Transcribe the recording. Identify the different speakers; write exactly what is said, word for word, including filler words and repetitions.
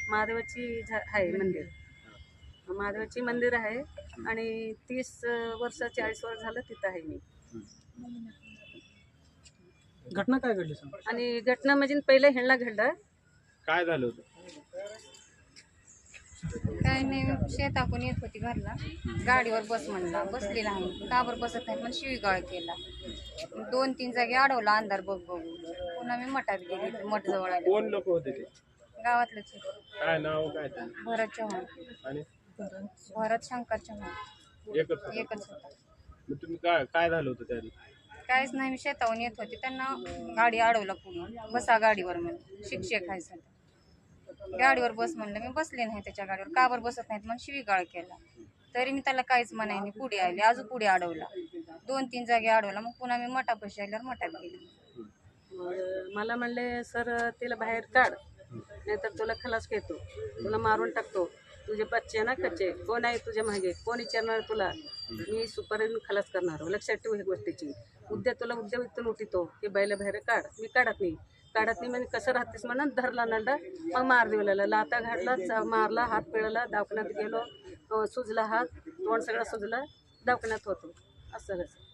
Speaker 1: महादेवाची झा- आहे मंदिर. महादेवाची मंदिर आहे आणि तीस वर्ष चाळीस वर्ष झालं तिथं आहे मी.
Speaker 2: घटना काय घडली सांग?
Speaker 1: आणि घटना म्हणजे पहिले ह्यांना घडलं.
Speaker 3: काय झालं होतं?
Speaker 4: काय नाही, शेतातून येत होती घरला, गाडीवर बस म्हणला, बसली नाही, का बरं बसत नाही पण शिवीगाळ केला. दोन तीन जागी अडवला अंधार बघ बघू. पुन्हा मी मठात गेली, मठ जवळ आले.
Speaker 3: कोण लोक होते ते?
Speaker 4: गावातलंच आहे.
Speaker 3: काय नाव काय त्यांचं?
Speaker 4: भरत चव्हाण,
Speaker 3: आणि
Speaker 4: भरत शंकर चव्हाण
Speaker 3: एकच होतं?
Speaker 4: एकच होता.
Speaker 3: मग तुम्ही काय काय झालं होतं त्या दिवशी?
Speaker 4: काहीच नाही, मी शेतावून येत होते, त्यांना गाडी अडवला पूर्ण. बसा गाडीवर म्हणून, शिक्षक आहे सध्या. गाडीवर बस म्हणलं, मी बसले नाही त्याच्या गाडीवर, का बरं बसत नाहीत मग शिवीगाळ केला. तरी मी त्याला काहीच म्हणाय नाही, पुढे आले, अजून पुढे अडवला, दोन तीन जागी अडवला. मग पुन्हा मी मठापाशी आल्यावर मठात गेले.
Speaker 1: मग मला म्हणले, सर तिला बाहेर काढ नाहीतर तुला खलास घेतो, तुला मारून टाकतो, तुझे बच्चे ना कच्चे, कोण आहे तुझ्या मागे, कोण विचारणार तुला, मी सुपारीन खलास करणार. लक्षात ठेवू ह्या गोष्टीची. उद्या तुला उद्या इथून उठितो की बैला बाहेर काढ. मी काढत नाही काढत नाही म्हणजे कसं राहतेस म्हणून धरला नांदा, मग मार देवला, लाता घातला, मारला, हात पिळला, दवाखान्यात गेलो, सुजला हात, तोंड सगळं सुजलं, दवाखान्यात होतो. असं कसं